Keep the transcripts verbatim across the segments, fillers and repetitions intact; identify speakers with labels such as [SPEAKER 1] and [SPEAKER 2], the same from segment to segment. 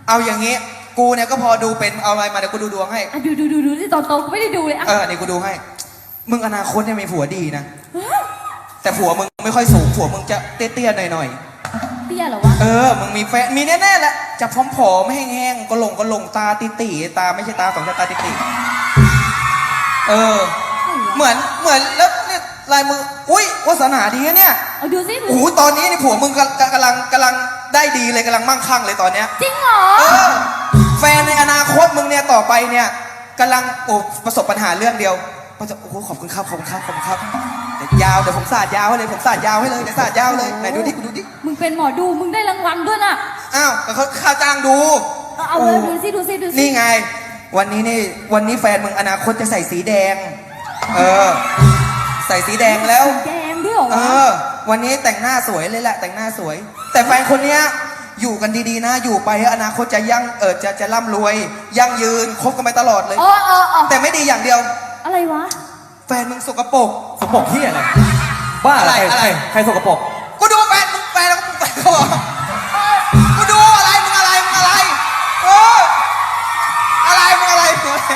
[SPEAKER 1] เอาอย่างงี้กูเนี่ยก็พอดูเป็นเอาอะไรมาเดี๋ยวกูดูดวงให้
[SPEAKER 2] อ่ะดูดูดูดูที่ตอนโตกูไม่ได้ดูเลยอ่ะ
[SPEAKER 1] เออนี่กูดูให้มึงอนาคตเนี่ยมีผัวดีนะแต่ผัวมึงไม่ค่อยสูงผัวมึงจะเตี้ยๆหน่อย
[SPEAKER 2] ๆเตี้ยเหรอวะ
[SPEAKER 1] เออมึงมีแฟนมีแน่ๆแหละจะพร้อมๆแห้งๆก็หลงก็หลงตาติตีตาไม่ใช่ตาสองตาติตีเออเหมือนเหมือนแล้วเนี่ยลายมืออุ้ยวาสนาดีนะเนี่ย
[SPEAKER 2] เอาดูสิ
[SPEAKER 1] โอ้โหตอนนี้นี่ผัวมึงกำกำลังกำลังได้ดีเลยกำลังมั่งคั่งเลยตอนเนี้ย
[SPEAKER 2] จริงเหรอ
[SPEAKER 1] เออแฟนในอนาคตมึงเนี่ยต่อไปเนี่ยกำลังโอ้ประสบปัญหาเรื่องเดียวก็จะโอ้โหขอบคุณครับขอบคุณครับขอบคุณครับเดี๋ยวยาวเดี๋ยวผมสาดยาวให้เลยผมสาดยาวให้เลยเดี๋ยวสาดยาวเลยไหนดูดิดูดิ
[SPEAKER 2] มึงเป็นหมอดูมึงได้รางวัลด้วยน่ะ
[SPEAKER 1] อ้าวเขาค่าจ้างดู
[SPEAKER 2] เอาเลยดูสิดูสิดูสิ
[SPEAKER 1] นี่ไงวันนี้นี่วันนี้แฟนมึงอนาคตจะใส่สีแดงเออใส่สีแดงแล้ว
[SPEAKER 2] แดงด้วยเหรอ
[SPEAKER 1] เออวันนี้แต่งหน้าสวยเลยแหละแต่งหน้าสวยแต่แฟนคนเนี้ยอยู่กันดีๆนะอยู่ไปอนาคตจะยั่งเออจะจะร่ำรวยยั่งยืนคบกันไปตลอดเลย
[SPEAKER 2] อ๋ออ๋อ
[SPEAKER 1] แต่ไม่ดีอย่างเดียว
[SPEAKER 2] อะไรวะ
[SPEAKER 1] แฟนมึงสกปรก
[SPEAKER 3] สกปรกที่อะไรบ้าอะไรใครใครสกปรก
[SPEAKER 1] กูดูแฟนมึงแฟนแล้วมึงแฟนเขาบอกกูดูอะไรมึงอะไรมึงอะไรเอออะไรมึงอะไร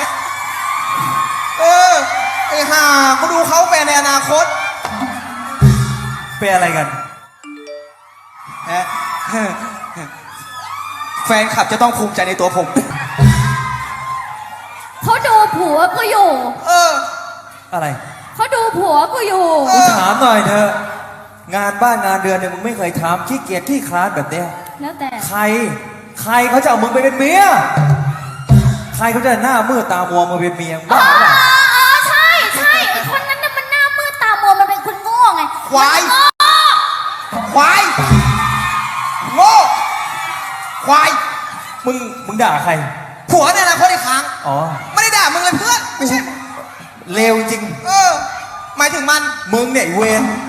[SPEAKER 1] เออไอ้ห่ากูดูเขาแฟนในอนาคต
[SPEAKER 3] เป็นอะไรกัน
[SPEAKER 1] แฟนขับจะต้องภูมิใจในตัวผม
[SPEAKER 2] เขาดูผัวกูอยู่
[SPEAKER 1] เออ
[SPEAKER 3] อะไร
[SPEAKER 2] เขาดูผัวกูอยู่
[SPEAKER 3] กูถามหน่อยเถอะงานบ้านงานเรือนเนี่ยมึงไม่เคยทำขี้เกียจขี้คลาดแบบเนี้ย
[SPEAKER 2] แล้วแต่
[SPEAKER 3] ใครใครเขาจะเอามึงไปเป็นเมียใครเขาจะหน้ามืดตามัวมึงเป็นเมียบ้าหรือเปล่า
[SPEAKER 2] อ๋อใช่ใช่ไอ้คนนั้นน่ะมันหน้ามืดตามัวมันเป็นคนโง่ไง
[SPEAKER 1] ควายควายโง่ควาย
[SPEAKER 3] มึงมึงด่าใคร
[SPEAKER 1] ผัวในอนาคตอีกครั้ง
[SPEAKER 3] อ๋อ
[SPEAKER 1] ไม่ได้ด่ามึงเลยเพื่อนไม่ใช่
[SPEAKER 3] เลวจริง
[SPEAKER 1] เออหมายถึงมัน
[SPEAKER 3] มึงเนี่ยเวร